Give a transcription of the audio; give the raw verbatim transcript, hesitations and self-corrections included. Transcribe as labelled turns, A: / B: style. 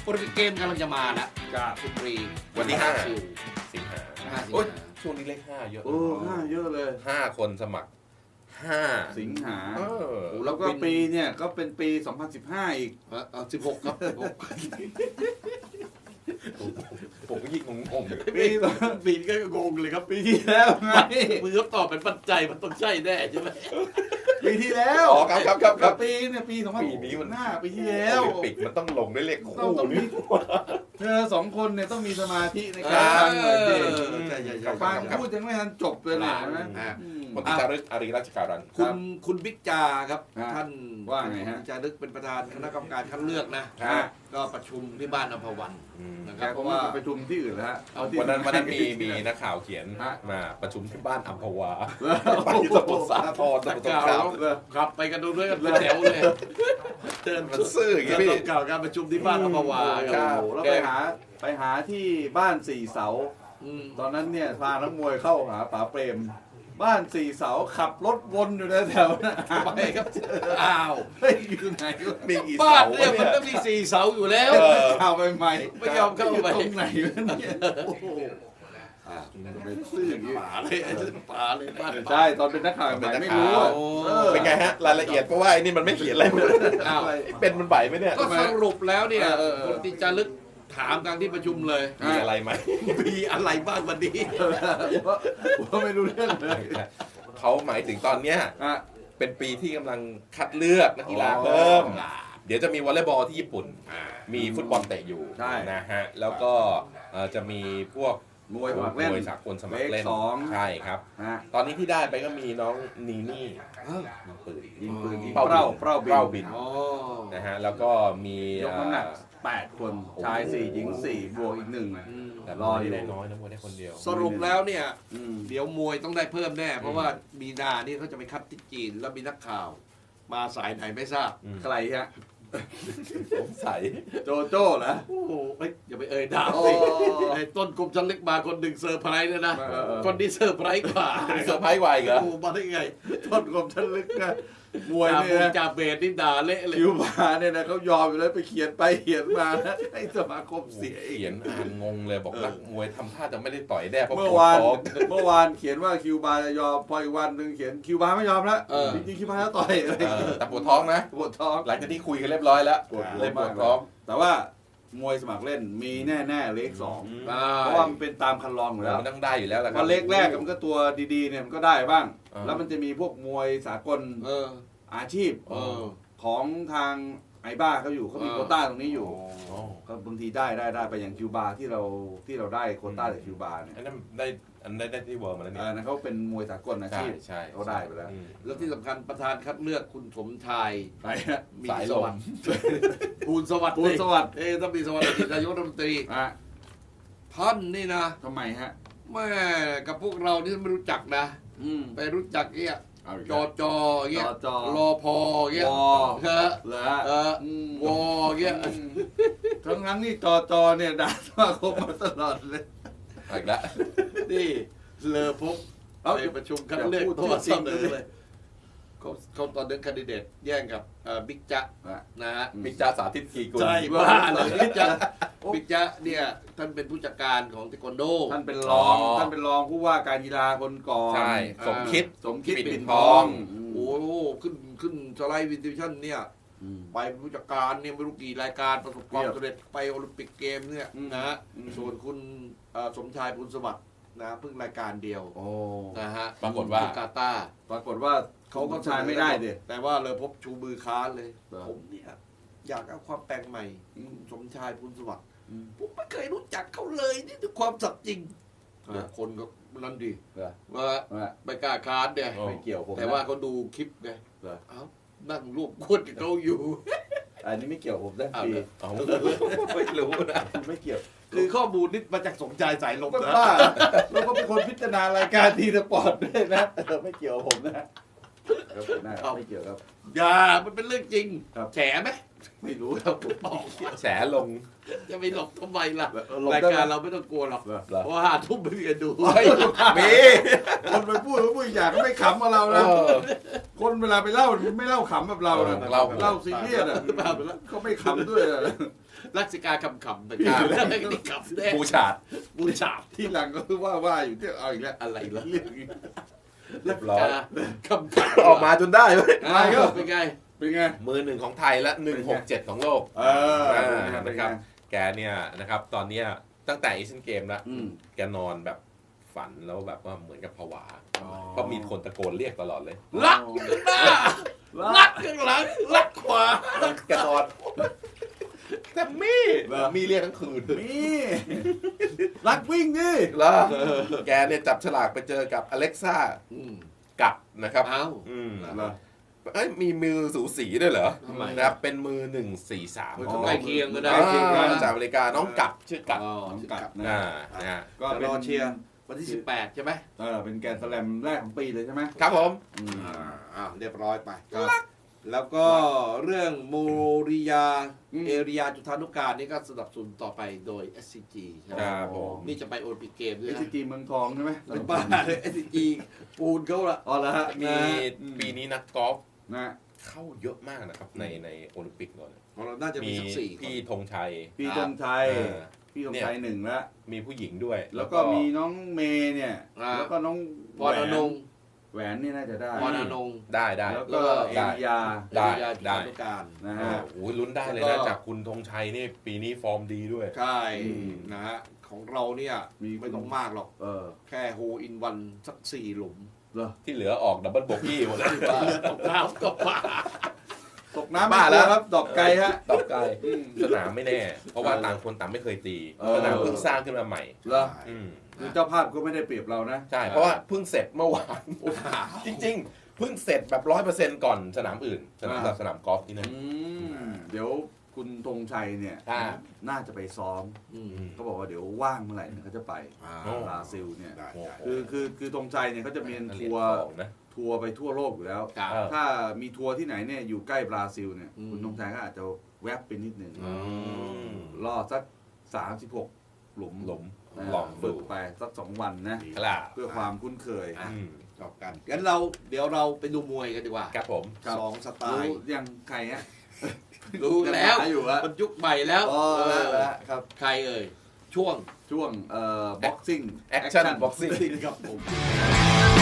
A: โอลิมปิกเกมกำลังจะมาแล้วกับคุณตรี
B: วันที่ห้า
A: สิงหา
B: โอ้ยช่วงนี้เลขห้าเยอะ
C: โอ้ห้าเยอะเลย
B: ห้าคนสมัครห้า
C: สิงหา
B: เออ
C: แล้วก็ปีเนี่ยก็เป็นปีสองพันสิบห้าอีก
A: เออสิบหกครับ
B: ผมก็ยิ่งงงๆ
A: ปีปีก็งงเลยครับปีที่แล้วไงมือเขาตอบเป็นปัจจัยมันต้องใช่แน่ใช่ไหม
C: ปีที่แล้ว
B: อ๋อครับครับครับ
C: ปีเนี่ยปีสองพัน
B: ปีนี้มัน
C: ห้าปีที่แล้ว
B: ปิกมันต้องลงด้วยเลขคู่นี่
C: เธอสองคนเนี่ยต้องมีสมาธิในการฟังหน่อยดิฟังพูดยังไม่ทันจบเลยนะ
B: คนที่จารึกอารีราชการัน
A: คุณคุณบิ๊กจาครับท่าน
C: ว่าไงฮะ
A: จารึกเป็นประธานคณะกรรมการคัดเลือกนะก็ประชุมที่บ้านอภวัน
C: นะครับเพราะว่าประชุมที่อื่นแล้วฮะ
B: วันนั้นวันนั้นมีมีนักข่าวเขียนมาประชุมที่บ้านอัมพวาไปสมุทรสาครสมุทรสงคราม
A: ครับไปกันดูด้วยกันแถวเลย
B: เดินมันซื่ออย่างนี้
A: กล่าวการประชุมที่บ้านอัมพวา
C: ครับแล้วไปหาไปหาที่บ้านสี่เสาตอนนั้นเนี่ยพานักมวยเข้าหาป๋าเปรมบ้านสี่เสาขับรถวนอยู่แถวๆนั้น
A: ไปครับอ้าว
C: ไม่อยู่ไหน
B: มีกี่
A: เสาบ้านเนี่ยมันต้องมีสี่เสาอยู่แล้ว
C: เข้าไปใหม่
A: ไม่ยอมเข้าไป
C: ตรงไหนวะเนี่ยโอ้โห
A: เป็นซื่ออย่างนี้ป่าเลยป่าเลยบ้าน
C: ใช่ตอนเป็นนักข่าวใหม่ไม่รู้
B: เป็นไงฮะรายละเอียดเพราะว่าไอ้นี่มันไม่เขียนอะไรเลยเป็นมันใบไหมเนี่ย
A: ก็สรุปแล้วเนี่ยคนที่จะลึกถามกลางที่ประชุมเลย
B: มีอะไรไหม
A: มีอะไรบ้างวันนี้
C: ว่าไม่รู้เรื่องเลย
B: เขาหมายถึงตอนเนี้ยเป็นปีที่กำลังคัดเลือกนักกีฬาเพิ่มเดี๋ยวจะมีวอลเลย์บอลที่ญี่ปุ่นมีฟุตบอลเตะอยู่นะฮะแล้วก็จะมีพวก
C: มวยสมัครเล่น
B: มวยสากลสมัครเล่นใช่ครับตอนนี้ที่ได้ไปก็มีน้องนีนี่ยิงปืน
C: ยิงปืน
B: เป้าเป้าเป้าบินนะฮะแล้วก็มี
C: ยกน้ำหนักแปดคนชายสี่หญิงสี่บวกอีกหนึ่ง
B: แต่รอได้น้อยนะมวยได้คนเดียว
A: สรุปแล้วเนี่ยเดี๋ยวมวยต้องได้เพิ่มแน่เพราะว่ามีนานี่เขาจะไปคัดที่จีนแล้วมีนักข่าวมาสายไหนไม่ทราบ
C: ใครฮะ
B: ผมใส่
C: โจโจ้เหรอ
A: โอ้โหอย่าไปเอ่ยดาวสิไอ้ต้นกลุ่มชันเล็กมาคนหนึ่งเซอร์ไพรส์เลยนะคนที่เซอร์ไพรส์กว่า
B: เซอร์ไพรส์กว่าอีกเหรอ
A: โอ้มาได้ไงต้นกลุ่มชันเล็กนะ
C: มวยเนี่ย
A: จ่าเบสนี่ด่าเละเลย
C: คิวบาเนี่ยนะเขายอมอยู่แล้วไปเขียนไปเขียนมานะให้สมาคมเสีย
B: เขียนอ่านงงเลยบอกนักมวยทำท่าจะไม่ได้ต่อยแน่เพราะ
C: เมื่อวานเมื่อวานเขียนว่าคิวบาจะยอมพออีกวันหนึ่งเขียนคิวบาไม่ยอมแล้วจริงๆคิวบาจะต่อย
B: แต่ปวดท้องนะ
C: ปวดท้อง
B: หลังจากที่คุยกันเรียบร้อยแล้วเลยปวดท้อง
C: แต่ว่ามวยสมัครเล่นมีแน่ๆเลขสองเพราะว่ามันเป็นตามคันลองอยู่แล้ว
B: มันต้องได้อยู่แล้วแหละ
C: ครับเลขแรกมันก็ตัวดีๆเนี่ยมันก็ได้บ้างแล้วมันจะมีพวกมวยสากลอาชีพของทางไอบ้าเขาอยู่เขามีโควต้าตรงนี้อยู่ก็บางทีได้ได้ได้ไปอย่างคิวบาที่เราที่เราได้โควต้าจากคิวบาเนี่ย
B: อันนั้นได้อันนั้นได้ที่เวิร์มาแล้วนี่
C: นะเขาเป็นมวยสากลอาชีพ
B: ใช่
C: เขาได้ไปแล้ว
A: แล้วที่สำคัญประธานคัดเลือกคุณสมชาย
B: มีสวัสดิ์
A: ภูลสวัสดิ์
C: ภูลสวัสดิ์
A: เอ๊ต้องมีสวัสดิ์นายกรัฐมนตรีท่านนี่นะ
C: ทำไมฮะ
A: แม่กับพวกเรานี่ไม่รู้จักนะไปรู้จักเนี่ยจอจอเงี้ยรอพอเงี้ยเออเออวอเงี้ย
C: ทั้งนั้นนี่จอจอเนี่ยด่าสมาคมมาตลอดเลย
B: อีกแล้ว
A: นี่เลอพบไปประชุมคัดเลือกตัวเสนอเลยเขาเขาตอนเดินคันดิเดตแย่งกับบิ๊กจ๊ะนะฮะ
B: บิ๊กจ๊ะสาธิตกีกุล
A: ใช่บ้าเลยบิ๊กจ๊ะบิ๊กจ๊ะเนี่ยท่านเป็นผู้จัดการของเทควันโด
C: ท่านเป็นรองท่านเป็นรองผู้ว่าการกีฬาคนก่อน
B: ใช่สมคิด
C: สมคิดปิ่นทอง
A: โอ้ขึ้นขึ้นสไลด์วินดิชั่นเนี่ยไปผู้จัดการเนี่ยไม่รู้กี่รายการประสบความสำเร็จไปโอลิมปิกเกมเนี่ยนะส่วนคุณสมชายบุญสวัสดิ์นะเพิ่งรายการเดียวนะฮะ
B: ปรากฏว่
A: ากาตา
C: ปรากฏว่าเขาก็ชายไม่ได้ดิ
A: แต่ว่าเลยพบชูมือค้านเลยผมเนี่ยอยากเอาความแปลงใหม่สมชายบุญสวัสดิ์ผมไม่เคยรู้จักเขาเลยนี่คือความสัตย์จริงคนก็นั่นดีว่าไม่กล้าค้านเนี่ย
C: ไม่เกี่ยวผม
A: แต่ว่าเขาดูคลิปไงเอ้านั่งรวบควดกับเขาอยู่
C: อันนี้ไม่เกี่ยวผมนะพี่
B: ไม่รู้นะ
C: ไม่เกี่ยว
A: คือข้อมูลนี่มาจากสมชายสายลม
C: นะเราก็เป็นคนพิจารณารายการทีสปอร์ตด้วยนะไม่เกี่ยวผมนะไม่เกี่ยวครับ
A: อย่ามันเป็นเรื่องจริงแฉไหม
C: ไม่รู้ครับผม
B: แฉลง
A: จะไปหลบทำไมล่ะรายการเราไม่ต้องกลัวหรอกเพราะว่าทุ่มไม่มีกันดู
C: มีคนไปพูดพูดอย่างก็ไม่ขำกับเรานะคนเวลาไปเล่าไม่เล่าขำแบบเรานะ
B: เล่า
C: เล่าซีเรียสอ่ะเขาไม่ขำด้วยอะ
A: ลักษิกาคำขำแต่การเรื่องนี้ขำแน่
B: บูชาด
A: บูชา
C: ที่หลังก็ว่าว่าอยู่ที่เอาอีกแล้ว
A: อะไรล่ะ
C: เรื่องนี้
B: เรียบร้อย
A: คำขำ
B: ออกมาจนได้เว้ย
A: อ่าเป็นไง
C: เป็นไง
B: มือหนึ่งของไทยและหนึ่งหกเจ็ดของโลก
C: เออ
B: อ่า
C: เป็
B: นะ
C: น
B: ค
C: ไง
B: รับ แกเนี่ยนะครับตอนเนี้ยตั้งแต่เอเชียนเกมแล้ว
C: อืม
B: แกนอนแบบฝันแล้วแบบว่าเหมือนกับผวาเพราะมีคนตะโกนเรียกตลอดเลย
A: รักข้างหน้ารักข้างหลังรักขวา
B: แกนอนแต่มี่มีเรียกทั้งคืน
C: นี่รักวิ่งดิ
B: แล้วแกเนี่ยจับฉลากไปเจอกับอเล็กซ่า
A: อืม
B: กับนะครับ
A: เอ้า
B: อืม
C: เหรอ
B: เอ้ยมีมือสูสีด้วยเหรอ
A: ทำไม
B: นะครับเป็นมือหนึ่งสี่สาม
A: มันก็ใกล้เคียงก็ได้
B: จากอเมริกาน้องกับชื่อกับ
A: อ๋อ
C: น้องกัด
B: อ่า
C: นะ
B: นะฮะ
C: ก็
A: จะ
C: เป็
A: ร
C: น
A: อเชียร์วันที่สิบแปดใช่ไหม
C: เออเป็นแกรนด์สแลมแรกของปีเลยใช่ไหม
B: ครับผม
C: อืม
A: อ่าอ่าเรียบร้อยไปแล้วก็เรื่องโมริยา
C: อืม
A: เอริยาจุธานุการนี่ก็สนับสนุนต่อไปโดย เอส ซี จี ใช่ไหม
B: ครับผม
A: นี่จะไปโอลิมปิกเกมด้ว
C: เอย ส
A: นะ
C: จีเมืองทองใช่ไหม
A: เป็นบ้าเลย เอส ซี จี ปูนเขาละ
C: อ๋อแล้วฮะ
B: มี
C: นะ
B: ปีนี้นักกอล์ฟ
C: นะ
B: เข้าเยอะมากนะครับในในโอลิมปิกก่อน
A: ของเราน่าจะมี
B: มี
A: สักสี่
B: พี่ธงชัย
C: พี่ธงชัย
B: เออ
C: พี่ธงชัยหนึ่งแล้ว
B: มีผู้หญิงด้วย
C: แล้วก็มีน้องเมย์เนี่ย
A: อ่า
C: แล้วก็น้อง
A: พรอนงค์
C: แหวนนี่น่าจะได้
A: พรอนงค์
B: ได้ได้
C: แล้ว
A: แล้
C: ก็
A: วก็
C: เอ
B: ได้
C: ริยา
B: ได้
A: เอริยาจุ
B: ได้
A: ธานุการ
C: นะ
B: อ่า
C: ฮะ
B: โอ้ยลุ้นได้เลย
A: แล้
B: นะ
A: วก็
B: จากคุณธงชัยนี่ปีนี้ฟอร์มดีด้วย
A: ใช่
C: อืม
A: นะฮะของเราเนี่ย
C: มี
A: ไม่ต้องมากหรอก
C: เออ
A: แค่โฮอินวันสักสี่หลุม
C: เหรอ
B: ที่เหลือออกดับเบิลโบกี้หมดเลย
A: ตกน้ำก็ป่า
C: ตกน้ำ
B: บ้า
C: ไม่ก
B: แล้
C: ลั
B: ว
C: วครับดอกไกลฮะ
B: ตอบไกลสนามไม่แน่ เพราะว่าต่างคนต่างไม่เคยตี
C: เออ
B: สนามเพิ่งสร้างขึ้นมาใหม่
C: เหรอ
B: อืม
C: คือเจ้าภาพก็ไม่ได้เปรียบเรานะ
B: ใช่ เพราะว่าเพิ่งเสร็จเมื่อวาน จริงๆ เพิ่งเสร็จแบบร้อยเปอร์เซ็นต์ก่อนสนามอื่น สนาม
C: อ่า
B: สนามกอล์ฟที่นั่น
C: อืมเดี๋ยวคุณธงชัยเนี่ย
B: อ่า
C: น่าจะไปซ้อม
A: อืม
C: เขาบอกว่าเดี๋ยวว่างเมื่อไหร่เนี่ยเขาจะไป
A: อ่า
B: โอ้
C: บราซิลเนี่ย
A: ได้
B: โอ้
A: ได้
B: โห
C: คือคือคือธงชัยเนี่ยเขาจะมี
B: เหรี
C: ทั
B: ยญ
C: วร์
B: ทองนะ
C: ทัวร์ไปทั่วโลกอยู่แล้ว
A: ครับ
B: เออ
C: ถ้ามีทัวร์ที่ไหนเนี่ยอยู่ใกล้บราซิลเนี่ย
A: อืม
C: คุณธงชัยก็อาจจะแวบไปนิดนึง
A: อื
B: ม
C: รอสักสามสิบหกหลุม
B: หลุม
C: นะ
B: ลองดู
C: ฝึกไปสักสองวันนะ
B: ครับ
C: เพื่อความคุ้นเคย
A: อ่ะ
B: อืม
A: จบกันงั้นเราเดี๋ยวเราไปดูมวยกันดีกว่า
B: ครับผม
C: ครับ
A: สองสไต
C: รู้
A: ล์
C: ยังใครฮะ
A: รู้แล้ว
C: ยังหาอยู่ฮะ
A: มันยุคใหม่แล้ว
C: อ๋อ
A: เอ
C: แล้ว
A: อ
C: แล้วครับ
A: ใครเอ่ย ช่วง
C: ช่วงเอ่อบ็อกซิ่ง
B: Action Boxing
A: ครับผม
C: บ